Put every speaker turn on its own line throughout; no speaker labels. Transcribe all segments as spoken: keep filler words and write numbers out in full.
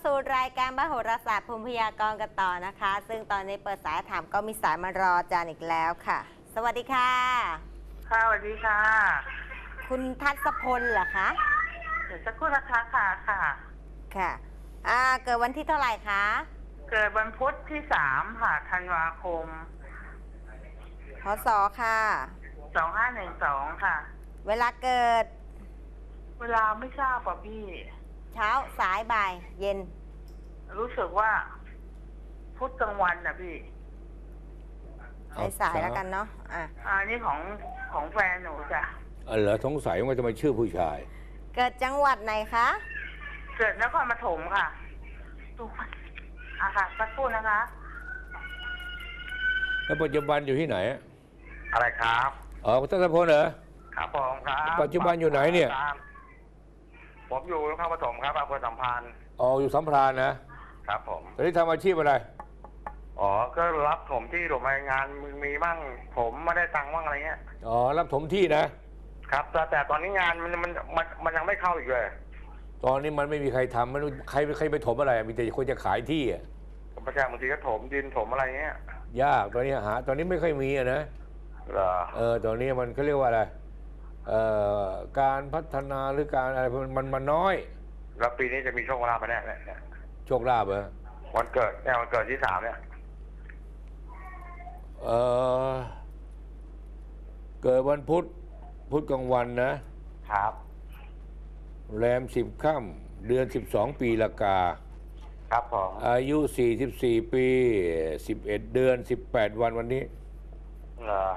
สู่รายการมโหราศาสตร์ภูมิพยากรณ์กันต่อนะคะ ซึ่งตอนนี้เปิดสายถามก็มีสายมารออาจารย์อีกแล้วค่ะ สวัสดีค่ะ
ค่ะสวัสดีค่ะ
คุณทัศพลเหรอคะ
เดี๋ยวสักครู่นะคะค่ะค่ะ
ค่ะอ่าเกิดวันที่เท่าไหร่คะ
เกิดวันพุธที่สามค่ะธันวาคม
พศค่ะ
สองห้าหนึ่งสองค่ะ
เวลาเกิด
เวลาไม่ทราบป่ะพี่
เช้าสายบ่ายเย็น
รู้สึกว่าพุธกลางวันนะพี่
สายสายแล้วกันเนาะอ่ะ
อันนี้ของของแฟนหนูจ้ะ
อ๋อเหรอสงสัยว่าจะมาชื่อผู้ชาย
เกิดจังหวัดไหนคะ
เกิดนครปฐมค่ะตัวอ่ะค่ะสักครู่นะคะ
แล้วปัจจุบันอยู่ที่ไหน
อะไรครับ
อ๋อคุณทัศพลเหรอ
ครับผมครับ
ปัจจุบันอยู่ไหนเนี่ย
ผมอยู่นครปฐมครับอำเภอสัมพันธ์
อ๋ออยู่สัมพรานนะครับ
ผม
ตอนนี้ทำอาชีพอะไร
อ๋อก็รับถมที่ถมงานมีบ้างผมไม่ได้ตังค์บ้างอะไรเงี้ย
อ๋อรับถมที่นะครับ
แต่แต่ตอนนี้งานมันมันมันมันยังไม่เข้าอีกเลย
ตอนนี้มันไม่มีใครทำไม่รู้ใครใครไปถมอะไรมีแต่คนจะขายที่อ่ะ
ประชาบางทีก็ถมดินถมอะไรเงี้ย
ยากตอนนี้หาตอนนี้ไม่ค่อยมีอะนะ
เหรอ
เออตอนนี้มันเขาเรียกว่าอะไรเอ่อการพัฒนาหรือการอะไรมันมันน้อย
แล้วปีนี้จะมีโชคลาภไปแน่เนี่ย
โชคลาภเหรอ
วันเกิดเนี่ยวันเกิดที่สามเนี่ย
เออเกิดวันพุธพุธกลางวันนะครับแรมสิบค่ำเดือนสิบสองปีละกา
ครับผม
อายุสี่สิบสี่ปีสิบเอ็ดเดือนสิบแปดวันวันนี้
เหรอ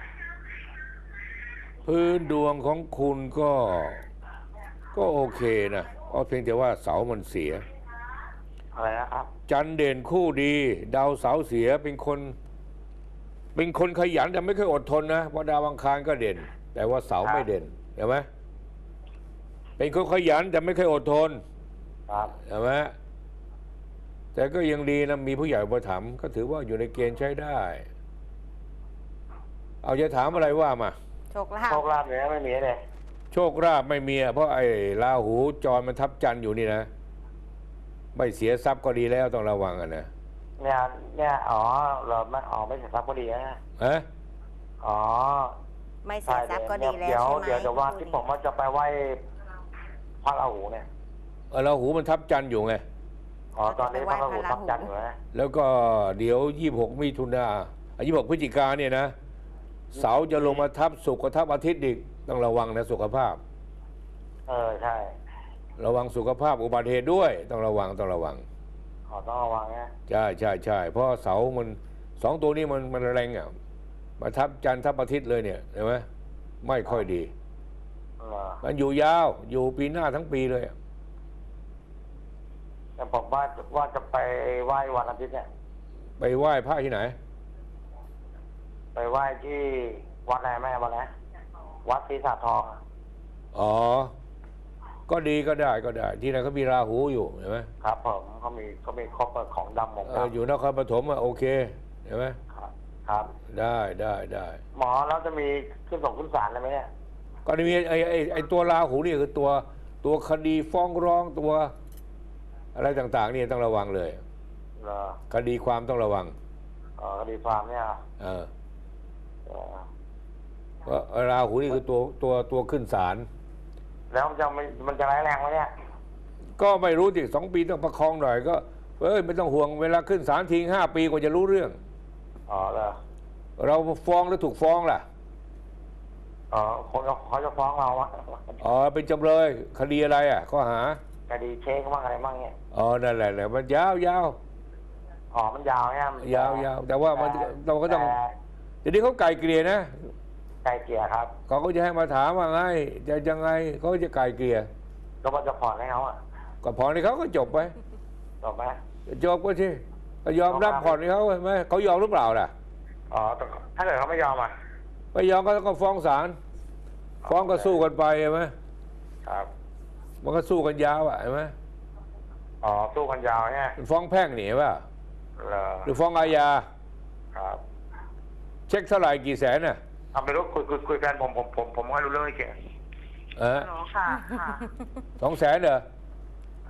พื้นดวงของคุณก็ก็โอเคนะเอาเพียงแต่ว่าเสามันเสีย
อะไรนะครับ
จันเด่นคู่ดีดาวเสาเสียเป็นคนเป็นคนขยันแต่ไม่เคยอดทนนะเพราะดาวอังคารก็เด่นแต่ว่าเสาไม่เด่นเห็นไหมเป็นคนขยันแต่ไม่เคยอดทน
ครับ
เห็นไหมแต่ก็ยังดีนะมีผู้ใหญ่อุปถัมภ์ก็ถือว่าอยู่ในเกณฑ์ใช้ได้เอาจะถามอะไรว่ามา
โชคลาภ
โชคลาภเนี่ยไม่มีเลย
โชคลาภไม่มีเพราะไอ้ราหูจรมันทับจันทร์อยู่นี่นะไม่เสียทรัพย์ก็ดีแล้วต้องระวังอ่ะนะ
เนี่ยเนี่ยอ๋อเราไม่อ๋อไม่เสียทรัพย์ก็ดีนะ
ฮะ
อ๋อ
ไม่เสียทรัพย์ก็ดีแล้วใช่ไหม
เดี๋ยวเดี๋ยวว่าที่ผมว่าจะไปไหว้พระราหูเนี่ย
เออราหูมันทับจันทร์อยู่ไง
อ๋อตอนนี้พระราหูทับจันทร์อยู่นะ
แล้วก็เดี๋ยวยี่สิบหกมิถุนายี่สิบหกพฤศจิกาเนี่ยนะเสาจะลงมาทับศุกร์กับทับอาทิตย์อีกต้องระวังนะสุขภาพ
เออใช่
ระวังสุขภาพอุบัติเหตุด้วยต้องระวังต้องระวัง
ขอต้องระวังนะ
ใช่ใช่ใช่เพราะเสามันสองตัวนี้มันมันแรงอ่ะมาทับจันทร์ทับอาทิตย์เลยเนี่ยเห็นไหมไม่ค่อยดีมันอยู่ยาวอยู่ปีหน้าทั้งปีเลย
แต่ผมว่าว่าจะไปไหว้วันอาทิตย์เนี่ย
ไปไหว้พระที่ไหน
ไปไหว้ที่วัดอะไรแม่วัดไหนวัดศรีสาทอง
อ๋อก็ดีก็ได้ก็ได้ที่นั่นเขามีราหูอยู่เห็นไหม
ครับผมเขามีเขามีครบของดำของดำ
อยู่นครปฐมอ่ะโอเคเห็นไหม
ครับครับ
ได้ได้ได้
หมอแล้วจะมีขึ้นส่งขึ้นศาลอะไรไหมเนี่ย
ก็มีไอ้ไอ้ไอ้ตัวราหูนี่คือตัวตัวคดีฟ้องร้องตัวอะไรต่างๆนี่ต้องระวังเลย
เหรอ
คดีความต้องระวัง
อ๋อคดีความเนี่ย
เออเพราะราหูนี่คือตัวตัวตัวขึ้นศาล
แล้วมันจะมันจะร้ายแรงไหมเนี่ย
ก็ไม่รู้สิสองปีต้องประคองหน่อยก็เอ้ยไม่ต้องห่วงเวลาขึ้นศาลทิ้งห้าปีกว่าจะรู้เรื่อง
อ๋อเหรอ
เราฟ้องหรือถูกฟ้องล่ะ
อ๋อคนเขาจะฟ้องเราอะ
อ๋อเป็นจำเลยคดีอะไรอ่ะข้อหา
คดีเช็คบ้างอะไรบ้างเนี่ย
อ๋อนั่นแหละแหละมันยาวยาว
อ๋อมันยาวเนี่ย
ยาวยาวแต่ว่ามันเราก็ต้องเดี๋ยวนี้เขาไกลเกลี่ยนะ
ไกลเกลี่ยครับ
เขาก็จะให้มาถามว่าไงจะยังไงเขาจะไกลเกลี่ย
ก็ว่าจะผ่อนให้เขาอ่ะ
ก็ผ่อนให้เขาก็จบไป
จบไหม
จบก็สิก็ยอมรับผ่อนให้เขาไหมเขายอมหรือเปล่าล่ะ
อ๋อถ้าเกิดเขาไม่ยอมอ่ะ
ไม่ยอมก็ต้องฟ้องศาลฟ้องก็สู้กันไปใช่ไหม
ครับ
มันก็สู้กันยาวอ่ะใช่ไหม
อ๋อสู้กันยาวเนี่ย
ฟ้องแพ่งหนีป่ะหรือฟ้องอาญา
ครับ
เช็คเท่าไหร่กี่แสนน่ะ
ทำไปรู้คุยคุยคุยแฟนผมผมผมผมไม่รู้เรื่องนี้เก่ง
เออ
ค่ะ
สองแสนเหรอ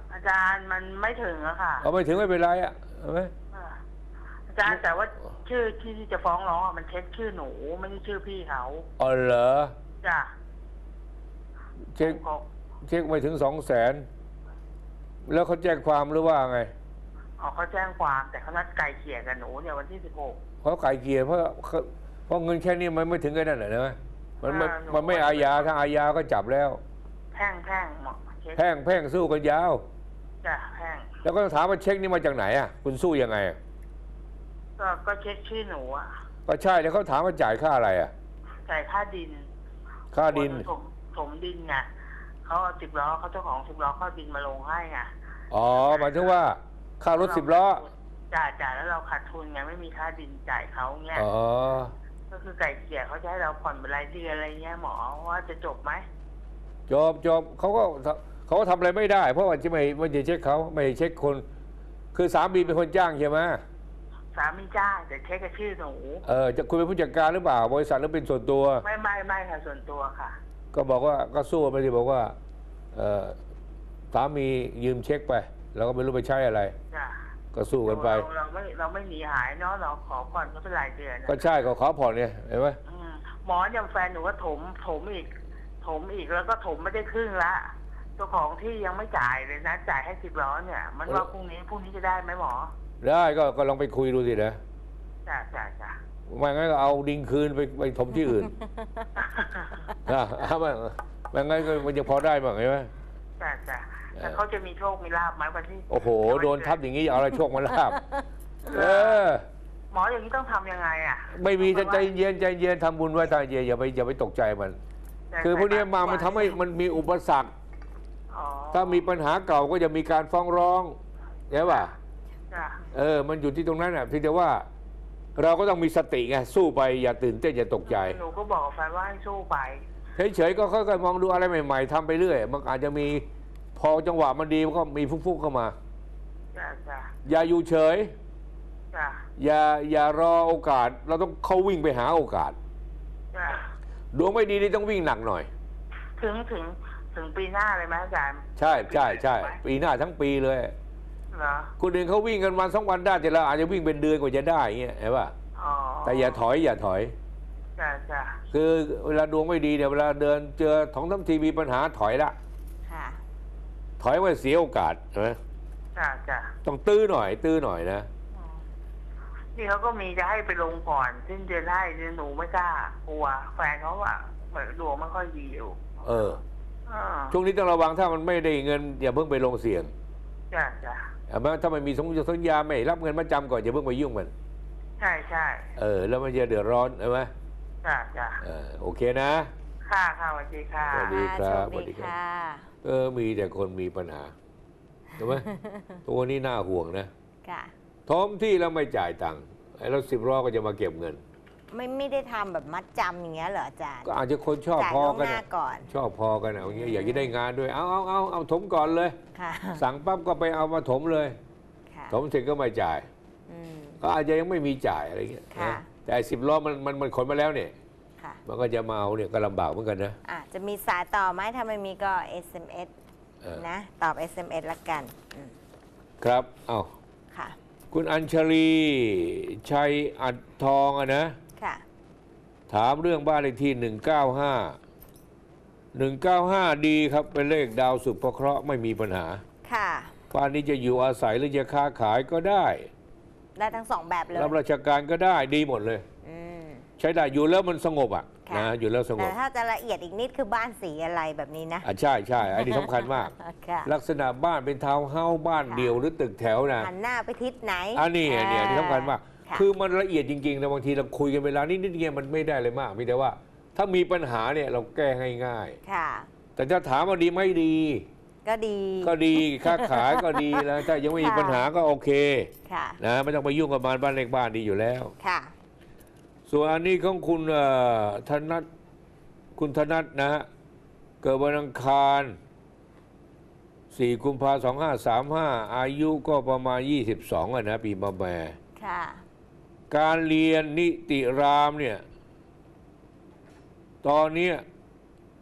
อาจารย์มันไม่ถึงอะค่ะ
เอาไม่ถึงไม่เป็นไรอ่ะเห็นไหม
อ่าอาจารย์แต่ว่าชื่อที่จะฟ้องร้องอะมันเช็คชื่อหนูไม่ใช่ชื่อพี่เขา
อ๋อเหรอ
จ้ะ
เช็ค
เขา
เช็คไม่ถึงสองแสนแล้วเขาแจ้งความหรือว่าไง
เขาเขาแจ้งความแต่เขานัดไกลเกลี่ยกับหนูเนี่ยวันที่สิบหก
เขาไก่เกลียร์เพราะเขาเพราะเงินแค่นี้มันไม่ถึงกันนั่นแหละนะมันไม่
อ่าหนู
มันไม่อาญาถ้าอาญาก็จับแล้ว
แพ่งแพ่งหมอเช็ค
แพ่งแพ่งสู้กันยาว
จ้ะแพ่ง
แล้วก็ถามว่าเช็คนี่มาจากไหนอ่ะคุณสู้ยังไงอะ
ก็ก็เช็คชื่อหนูอะ
ก็ใช่แล้วเขาถามว่าจ่ายค่าอะไรอ่ะ
จ่ายค่าดิน
ค่าดิน
ถมถมดินไงเขาเอาสิบล้อเขาเจ้าของสิบล้อเขาเอาดินมาลงให้ไง
อ๋อหมายถึงว่าค่ารถสิบล้อ
จ่ายจ่ายแล้วเราขาดทุนไงไม่มีค่าดินจ่ายเขาเงี้ย
อ๋อ
ก็คือไก่เกลี่ยเขาจะให้เราผ่อนเป็นรายเดือนอะไรเงี้ยหมอว่าจะจบไหม
จบจบเขาก็เขาก็ทำอะไรไม่ได้ เพราะว่าจะไม่ไม่จะเช็คเขาไม่เช็คคน คือสามีเป็นคนจ้างใช่ไหม
สามีจ้างแต่เช็คกับชื่อหนู
เออจะคุณเป็นผู้จัดการหรือเปล่า บริษัทหรือเป็นส่วนตัว
ไม่ไม่ไม่ค่ะส่วนตัวค่ะ
ก็บอกว่าก็สู้ไปที่บอกว่าเออสามียืมเช็คไป แล้วก็ไม่รู้ไปใช้อะไร
จ้ะ
ก็สู้กันไป
เราเราไม่เราไม่หนีหายเนาะเราขอผ่อนก็เป็นรายเดือนอะ
ก็ใช่ก็ขอผ่อนเนี่ยเห็นไหม
อืมหมออย่างแฟนหนูก็ถมถมอีก ถมอีกแล้วก็ถมไม่ได้ครึ่งละเจ้าของที่ยังไม่จ่ายเลยนะจ่ายให้สิบล้อเนี่ย มันว่าพรุ่งนี้พรุ่งนี้จะได้ไหมหมอ
ได้ก็ก็ลองไปคุยดูสินะ
จ้ะจ้ะจ้ะ
ไม่งั้นก็เอาดิงคืนไปไปถมที่อื่น นะเอาไม่ไม่งั้นก็มันจะพอได้บ้างเห็นไหม
จ้ะจ้ะแล้วเขาจะมีโชคมีลาบไหมวันที่
โอ้โหโดนทับอย่างนี้เอาอะไรโชคมาลาบเออ
หมออย่างนี้ต้องทำยังไงอ่ะ
ไม่มีใจใจเย็นใจเย็นทำบุญไว้ใจเย็นอย่าไปอย่าไปตกใจมัน คือพวกนี้มามันทำให้มันมีอุปสรรค
อ๋อ
ถ้ามีปัญหาเก่าก็จะมีการฟ้องร้องใช่ป่ะ
จ้ะ
เออ มันอยู่ที่ตรงนั้นน่ะเพียงแต่ว่า เราก็ต้องมีสติไงสู้ไปอย่าตื่นเต้นอย่าตกใจ
หนูก็บอกแฟนว่าให้สู้ไป
เฉยๆก็ค่อยๆมองดูอะไรใหม่ๆทำไปเรื่อยมันอาจจะมีพอจังหวะมันดีมันก็มีฟุกๆเข้ามา
จ้ะจ้ะ
อย่าอยู่เฉย
จ้ะ
อย่าอย่ารอโอกาส เราต้องเข้าวิ่งไปหาโอกาส
จ้ะ
ดวงไม่ดีนี่ต้องวิ่งหนักหน่อย
ถึงถึงถึงปีหน้าเลยไหมอาจารย์
ใช่ใช่ใช่ปีหน้าทั้งปีเลย
เหรอ
คนอื่นเขาวิ่งกันวันสองวันได้แต่เราอาจจะวิ่งเป็นเดือนกว่าจะได้เงี้ยเห็นป่ะ
อ๋อ
แต่อย่าถอยอย่าถอย
จ้ะจ้ะ
คือเวลาดวงไม่ดีเนี่ยเวลาเดินเจอท้องทั้งทีมีปัญหาถอยละ
ค่ะ
ถอยไว้เสียโอกาสใช่ไหม
จ้ะจ้ะ
ต้องตื้อหน่อย ตื้อหน่อยนะ
อืมนี่เขาก็มีจะให้ไปลงก่อนสิ้นเดือนให้เดือนหนูไม่กล้ากลัวแฟนเขาอะเหมือนดวงไม่ค่อยดีอยู่
เออ
อ่า
ช่วงนี้ต้องระวังถ้ามันไม่ได้เงิน อย่าเพิ่งไปลงเสี่ยง
จ้ะจ้ะ
เอามาถ้ามันมีสมสัญญาไม่รับเงินมาจำก่อนอย่าเพิ่งไปยุ่งมัน
ใช่ใช่
เออ แล้วมันจะเดือดร้อนใช่ไหม
จ้ะจ้ะ
เออโอเคนะ
ค่ะค่ะสวัสดีค่ะ
สวัสดีครับ
โชคดีค่ะ
เออมีแต่คนมีปัญหาถูกไหม ตัวนี้น่าห่วงนะ
ค่ะ
ทอมที่แล้วไม่จ่ายตังค์ไอ้รถสิบล้อก็จะมาเก็บเงิน
ไม่ไม่ได้ทำแบบมัดจำอย่างเงี้ยเหรออาจารย์
ก็อาจจะคนชอบ
จ่าย
พอ
ล่วง
กัน
หน้า
อะ
ก่อน
ชอบพอกันอะอย่างเงี้ยอยากจะได้งานด้วย เอาเอาเอาเอาถมก่อนเลย
ค่ะ
สั่งปั๊บก็ไปเอามาถมเลย
ค่ะ
ถมเสร็จก็ไม่จ่าย
อืม
ก็อาจจะยังไม่มีจ่ายอะไรเงี้ย
ค่ะ
นะแต่สิบล้อมันมันมันขนมาแล้วเนี่ย
ค่ะ
มันก็จะมาเอาเนี่ยก็ลำบากเหมือนกันนะ
อ่ะจะมีสายต่อไหมถ้าไม่มีก็ เอส เอ็ม เอส
เออ
นะ ตอบ เอส เอ็ม เอส ละกันอืม
ครับ เอา
ค่ะ
คุณอัญชลีชัยอัดทองอะนะ
ค่ะ
ถามเรื่องบ้านเลขที่หนึ่งเก้าห้า หนึ่งเก้าห้าดีครับ เป็นเลขดาวสุภเคราะห์ไม่มีปัญหา
ค่ะ
บ้านนี้จะอยู่อาศัยหรือจะค้าขายก็ได้
ได้ทั้งสองแบบเลย
รับราชการก็ได้ดีหมดเลย
อืม
ใช้ได้อยู่แล้วมันสงบอ่ะ
ค่ะ
นะอยู่แล้วสง
แต่
บ
ถ้าจะละเอียดอีกนิดคือบ้านสีอะไรแบบนี้นะ
อ่ะใช่ใช่อันนี้สำคัญมาก
ค่ะ
ลักษณะบ้านเป็นทาวน์เฮ้าส์บ้าน
ค่ะ
เดี่ยวหรือตึกแถวนะ
หันหน้าไปทิศไหน
อันนี้อันนี้อันนี้สำคัญมาก
ค่ะ
คือมันละเอียดจริงๆนะบางทีเราคุยกันเวลานิดๆเงี้ยมันไม่ได้เลยมากมีแต่ว่า ถ้ามีปัญหาเนี่ยเราแก้ง่าย
ค่ะ
ๆแต่ถ้าถามว่าดีไม่ดี
ก็ดี
ก็ดีค้าขายก็ดีแล้วถ้ายังไม่มี
ค่ะ
ปัญหาก็โอเค
ค่ะ
นะไม่ต้องไปยุ่งกับมันบ้านเล็กบ้านดีอยู่แล้ว
ค่ะ
ส่วนอันนี้ของคุณเอ่อธนัทคุณธนัทนะฮะเกิดวันอังคารสี่กุมภาพันธ์สองห้าสามห้าอายุก็ประมาณยี่สิบสองอ่ะนะปีมะแม่
ค่ะ
การเรียนนิติรามเนี่ยตอนเนี้ย
เขา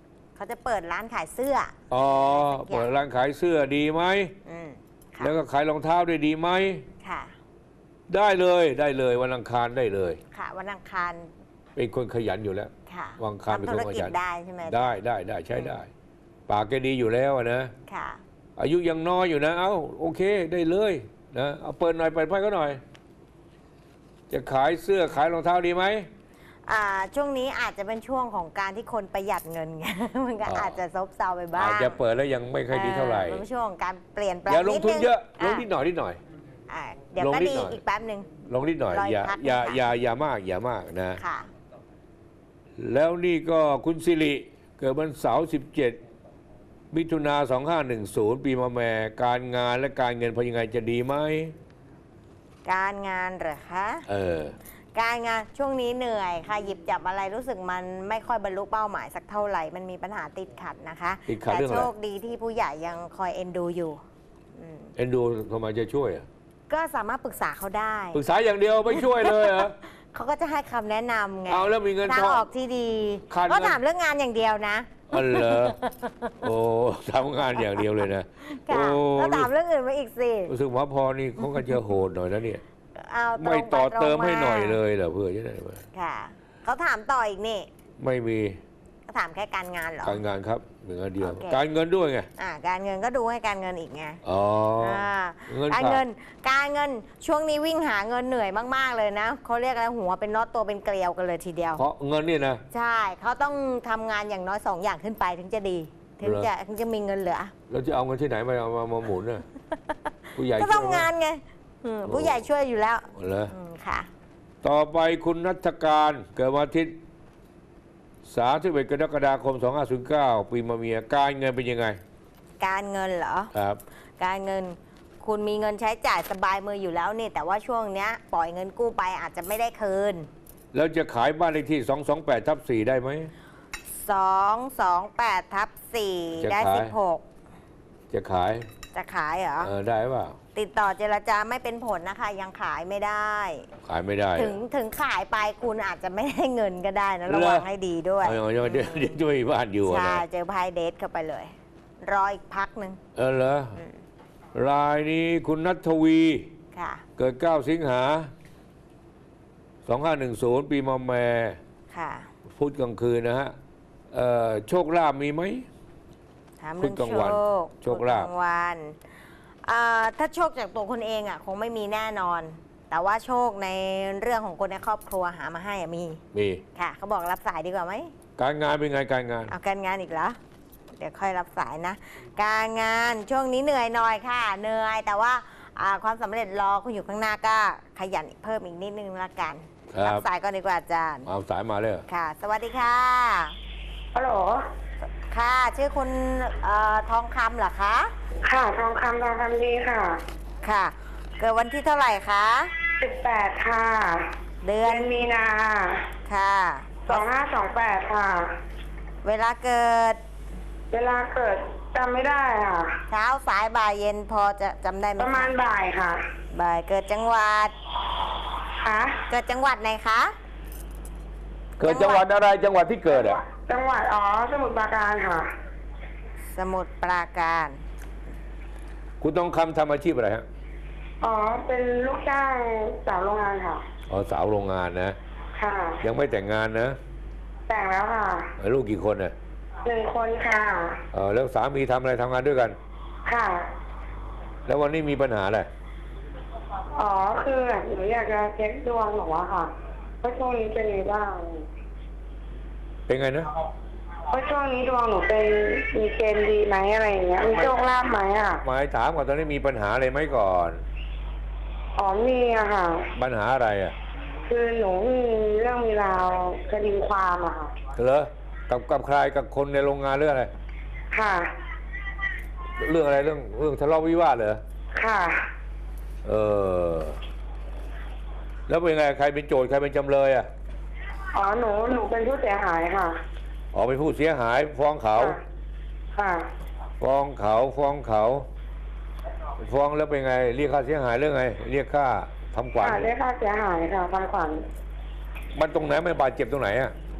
เขาจะเปิดร้านขายเสื้อ
อ๋อเปิดร้านขายเสื้อดีไหม
อืมค่ะ
แล้วก็ขายรองเท้าด้วยดีไหม
ค่ะ
ได้เลยได้เลยวันอังคารได้เลย
ค่ะวันอังคาร
เป็นคนขยันอยู่แล้ว
ค่ะ
วันอังคารเป็น
ทำ
ค
ธุ
น
ร
ข
กิจ
ยัน
ได้ใช่ไหม
ได้ได้ได้ใช้ได้ ปากแกดีอยู่แล้วอะนะ
ค่ะ
อายุยังน้อยอยู่นะ เอ้าโอเคได้เลยนะเอาเปิดหน่อยเปิดไพ่ก็หน่อย จะขายเสื้อขายรองเท้าดีไหม
อ่าช่วงนี้อาจจะเป็นช่วงของการที่คนประหยัดเงินไง มันก็
อ๋ออ
อาจจะซบเซาไปบ้าง
อาจจะเปิดแล้วยังไม่ค่อยดีเท่าไหร่
ออเป็นช่วงของการเปลี่ยนแปลง
อย่าลงทุนเยอะล
นิ
ง
ด
นิ
นึ
ดหน่อยนิดหน่อย
อ่าเดี๋ยว
ลง
ก็
นิด
ดี
หน่อย
อีกแป๊บหนึ่ง
ลงนิดหน่อย
รออีก
อย่า
พัก
อย่า
หนึ่งค่ะ
อย่าอย่ามากอย่ามากนะ
ค่ะ
แล้วนี่ก็คุณสิริเกิดวันเสาร์สิบเจ็ดมิถุนาสองห้าหนึ่งศูนย์ปีมะแม่การงานและการเงินพอยังไงจะดีไหม
การงานเหรอคะ
เออ
การงานช่วงนี้เหนื่อยค่ะหยิบจับอะไรรู้สึกมันไม่ค่อยบรรลุเป้าหมายสักเท่าไหร่มันมีปัญหาติดขัดนะคะ
ติดขัด
แต่
เรื่องอะไร
โชคดีที่ผู้ใหญ่ยังคอยเอ็นดูอยู่อืม
เอ็นดูทำไมจะช่วยอะ
ก็สามารถปรึกษาเขาได้
ปรึกษาอย่างเดียวไม่ช่วยเลยเหรอ
เขาก็จะให้คำแนะนำไง
เอาแล้วมีเงิน
ทาง
ทอง
ออกที่ดี
ขาดเงิน
ก็ถามเรื่องงานอย่างเดียวนะ
อ๋อเหรอโอ้ทำงานอย่างเดียวเลยนะ
ค่ะ
โอ้
ก็ถามเรื่องอื่นมาอีกสิ
รู้สึกว่าพอนี่เขาก็จะโหดหน่อยนะเนี่ย
เอาตรง
ไม่ต่อ
ปรง
เติมให้หน่อย
า
เลยเหรอเพื่อจะได้ไหม
ค่ะเขาถามต่ออีกนี่
ไม่มี
เขาถามแค่การงานเหรอ
การงานครับเหมือนกันเดียว
โอเค
การเงินด้วยไง
อ่าการเงินก็ดูให้การเงินอีกไง
อ๋อ
อ่า
เงิน
การ
ขา
เงิ
ด
นการเงินช่วงนี้วิ่งหาเงินเหนื่อยมากๆเลยนะเขาเรียกอะไรหัวเป็นน็อตตัวเป็นเกลียวกันเลยทีเดียว
เพราะเงินนี่นะ
ใช่เขาต้องทำงานอย่างน้อยสองอย่างขึ้นไปถึงจะดี ถึง
เหรอ
จะถึงจะมีเงินเหลือ
เราจะเอาเงินที่ไหนมาเอามามาหมุนน่ะผู้ใหญ่
ก็
ช่วย
ทำงานไงอืมผู้ใหญ่ช่วยอยู่แล้ว
เหรอ
อืมค่ะ
ต่อไปคุณนัทการเกิดวันอาทิตย์สามสิบเอ็ดกรกฎาคมสองห้าศูนย์เก้าปีมะเมียการเงินเป็นยังไง
การเงินเหรอ
ครับ
การเงินคุณมีเงินใช้จ่ายสบายมืออยู่แล้วนี่แต่ว่าช่วงเนี้ยปล่อยเงินกู้ไปอาจจะไม่ได้คืน
แล้วจะขายบ้านเลขที่สองสองแปดทับสี่ได้ไหม
สองสองแปดทับสี่
จะ
ได้
ขาย
สิบหก
จะขาย
จะขายเหรอ
เออได้เปล่า
ติดต่อเจรจาไม่เป็นผลนะคะ ยังขายไม่ได้
ขายไม่ได้
ถึงถึงขายไปคุณอาจจะไม่ได้เงินก็ได้นะ
เหรอ
ระวังให้ดีด้วย
เอาอย่างเดี๋ยวเดี๋ยวเดี๋ยวช่วยบ้านอยู่อะ
ใช่
นะ
เจอไพ่เดทเข้าไปเลย รออีกพักหนึ่ง
เออเหรอรายนี้คุณนัทวี
ค่ะ
เกิดเก้าสิงหาสองห้าหนึ่งศูนย์ปีมะแม่
ค่ะ
พุธกลางคืนนะฮะเอ่อโชคลาภมีไหม
ถามเรื่อง
พุธกลาง
โช
วัน
ค
โชคลาภ
พุธกลางวันอ่าถ้าโชคจากตัวคุณเองอ่ะคงไม่มีแน่นอน แต่ว่าโชคในเรื่องของคนในครอบครัวหามาให้อะมี
มี
ค่ะเขาบอกรับสายดีกว่าไหม
การงานเป็นไงการงาน
เอาการงานอีกเหรอเดี๋ยวค่อยรับสายนะ การงานช่วงนี้เหนื่อยหน่อยค่ะเหนื่อยแต่ว่าอ่าความสำเร็จรอคุณอยู่ข้างหน้าก็ขยันเพิ่มอีกนิดนึงละกัน
ครับ
สายก่อนดีกว่าอาจารย์
เอาสายมาเลยเหรอ
ค่ะ สวัสดีค่ะ
ฮัลโหล
ค่ะ ชื่อคุณเอ่อทองคำเหรอคะ
ค่ะทองคำทองคำดีค่ะ
ค่ะ เกิดวันที่เท่าไหร่คะ
สิบแปดค่ะ
เดื
เดื
อ
อน นมีนา
ค่ะ
สองห้าสองแปดค่ะ
เวลาเกิด
เวลาเกิดจำไม่ได้ค่ะ
เช้าสายบ่ายเย็นพอจะจำได้ไหม
ประมาณ
คะ
บ่ายค่ะ
บ่ายเกิดจังหวัด
ค่ะ
เกิดจังหวัดไหนคะ
เกิดจังหวัดอะไรจังหวัดที่เกิดอ่ะ
จังหวัดอ๋อสมุทรปราการค่ะ
สมุทรปราการ
คุณต้องคำทำอาชีพอะไรฮะ
อ๋อ เป็นลูกจ้างสาวโรงงานค่ะ
อ๋อสาวโรงงานนะ
ค่ะ
ยังไม่แต่งงานนะ
แต่งแล้วค่ะ
ลูกกี่คนน่ะ
หนึ่งคนค่ะ
เออแล้วสามีทำอะไรทำงานด้วยกัน
ค่ะ
แล้ววันนี้มีปัญหาอะไร
อ๋อ คือหนูอยากจะเช็คดวงหนูอะค่ะว่าช่วงนี้เป็นยังไงบ้าง
เป็นไงนะ
ว่าช่วงนี้ดวงหนูเป็นมีเกณฑ์ดีไหมอะไรอย่างเงี้ย มีโชคลาภไหมอะ
หมายถามก่อนตอนนี้มีปัญหาอะไรไหมก่อน
อ๋อ มีอะค่ะ
ปัญหาอะไรอ่ะ
คือหนูมีเรื่องมีราวคดีความอะค่ะ
เหรอกับกับใครกับคนในโรงงานเรื่องอะไร
ค่ะ
เรื่องอะไรเรื่องเรื่องทะเลาะวิวาทเหรอ
ค่ะ
เออ แล้วเป็นไงใครเป็นโจทย์ใครเป็นจำเลยอ่ะ
อ๋อ หนู หนูเป็นผู้เสียหายค่ะ
ออกเป็นผู้เสียหายฟ้องเขา
ค่ะ
ฟ้องเขาฟ้องเขาฟ้องแล้วเป็นไง เรียกค่าเสียหายเรื่องไง เรียกค่าทำขวัญ
ค่ะเรียกค่าเสียหายค่ะทำขวัญ
มันตรงไหนไม่บาดเจ็บตรงไหนอ่ะ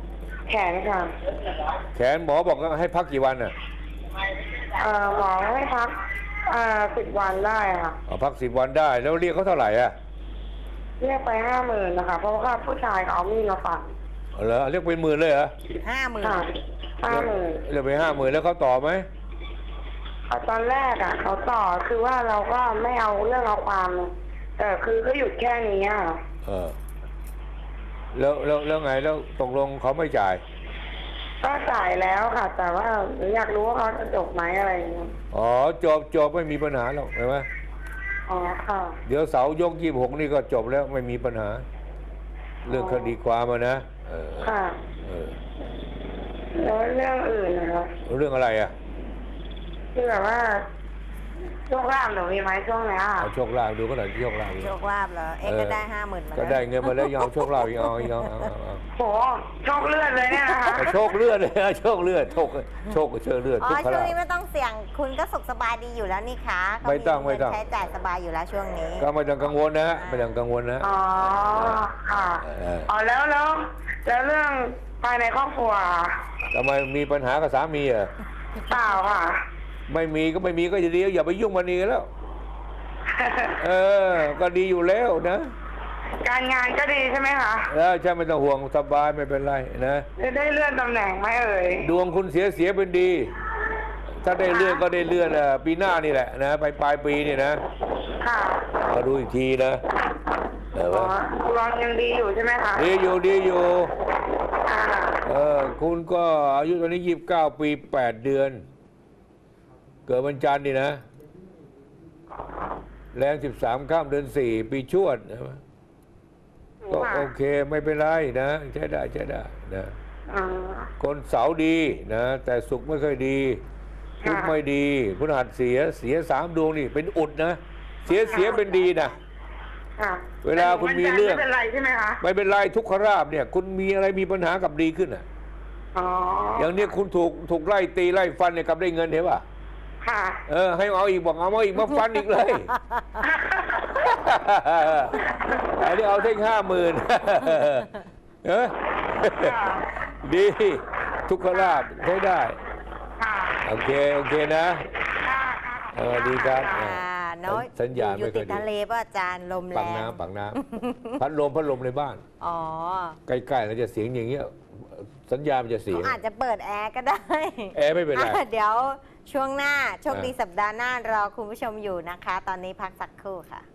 แขนค่ะ
แขนหมอบอกว่าให้พักกี่วันอ่ะ
เอ่อหมอให้พักเอ่อสิบวันได้ค่ะ
อ๋อพักสิบวันได้แล้วเรียกเขาเท่าไหร่อ่ะ
เรียกไปห้าหมื่นนะคะ เพราะว่าผู้ชายเขาเอามีดมาฟัน
อ๋อเหรอเรียกเป็นหมื่นเลยเหรอ
ห้าหมื่น
ค่ะห้าหมื่น
เรียกไปห้าหมื่นแล้วเขาต่อไหม
ตอนแรกอ่ะเขาต่อคือว่าเราก็ไม่เอาเรื่องเอาความแต่คือก็หยุดแค่นี้อ่ะ
เออแล้วแล้วแล้วไงแล้วตกลงเขาไม่จ่าย
ก็จ่ายแล้วค่ะ แต่ว่าหนูอยากรู้ว่าเขาจะจบไหมอะไรอย่างเงี้ย
อ๋อจบจบไม่มีปัญหาหรอกเห็นไหม
อ๋อค่ะ
เดี๋ยวเสาร์ยกยี่สิบหกนี่ก็จบแล้วไม่มีปัญหา เรื่องคดีความอะนะเออ
ค่ะ
เออ
แล้วเรื่องอื่นนะคะ
เรื่องอะไรอ่ะ
คือแบบว่าช่วงล่างหนูมีไหมช่วงเนี้ย
เอาโชคลาภดูก็หน่อยโชคลาภ
โชคลาภเหรอ เอ๊ะ
เออ
ก็ได้ห้าหมื่นมา
ก็
แล้ว
ได้เงินมาแล้วยอมโชคลาภอีกเอาอีกเอาเอาเอาเอา
โหโชคเลือดเลยเนี่ยนะคะ
เอาโชคเลือดเลยนะโชคเลือดโชคโชคเชื่อเลือด
อ๋อ
ทุกข
ช่วง
ลาภ
นี้ไม่ต้องเสี่ยง คุณก็สุขสบายดีอยู่แล้วนี่คะเขา
ไม่ต้อง
เงิน
ไม่ต้อง
ใช้จ่ายสบายอยู่แล้วช่วงนี้
ก็ไม่ต้องกังวลนะฮะไม่ต้องกังวลนะ
อ๋อค่ะ
เออ
อ๋อแล้วแล้วแล้วเรื่องภายในครอบครัว
ทำไมมีปัญหากับสามีเหรอ
เปล่าค่ะ
ไม่มีก็ไม่มีก็จะดีอย่าไปยุ่งมันนี่แล้ว เออ ก็ดีอยู่แล้วนะ
การงานก็ดีใช่ไหมคะ
แล้วใช่ไม่ต้องห่วงสบายไม่เป็นไรนะ
จะได้เลื่อนตำแหน่งไหมเอ่ย
ดวงคุณเสียเสียเป็นดี ถ้าได้เลื่อนก็ได้เลื่อนอ่ะปีหน้านี่แหละนะไปปลายปีนี่นะ
ค่ะ
มาดูอีกทีนะเออ
อ๋อรองยังดีอยู่ใช่ไหมคะ
ดีอยู่ดีอยู่
อ่า
เออคุณก็อายุตอนนี้ยี่สิบเก้าปีแปดเดือน เกิดวันจันทร์นี่นะ แรงสิบสามข้ามเดือนสี่ปีชวดนะก็โอเคไม่เป็นไรนะใช้ได้ใช้ได้นะ
อ่า
คนเสาร์ดีนะ แต่สุขไม่ค่อยดีพุธ
ค่ะ
ไม่ดีพฤหัสเสียเสียสามดวงนี่เป็นอุดนะ เสียเสียเป็นดีนะ
ค่ะ
เวลาคุณมีเรื่อง
ไม่เป็นไรใช่ไหมคะ
ไม่เป็นไรทุกขราบเนี่ย คุณมีอะไรมีปัญหากับดีขึ้นอ่ะ
อ๋อ
อย่างเนี้ยคุณถูกถูกไล่ตีไล่ฟันเนี่ยกลับได้เงินเห็นป่ะ
ค่ะ
เออให้เอาอีกบอกเอามาอีกมาฟันอีกเลย อันนี้เอาเท่งห้าหมื่นเออดี ทุกขลาบใช้ได้
ค่ะ
โอเค โอเคนะ
ค่ะ
เออดีครับ
อ่าเนาะ
สัญญาณ
อยู่
ไม่ค่
ติ
อ
ด
ยดี
ทะเลป่ะอาจารย์ลมแร
ปัง
ง
น้ำปังน้ำพัดลมพัดลมในบ้าน
อ๋อ
ใกล้ๆแล้วจะเสียงอย่างเงี้ยสัญญาณมันจะเสีย
เขาอาจจะเปิดแอร์ก็ได้
แอร์ไม่เป็นไร
อ่ะเดี๋ยวช่วงหน้าโชคดี
อ่ะ
สัปดาห์หน้ารอคุณผู้ชมอยู่นะคะ ตอนนี้พักสักครู่ค่ะ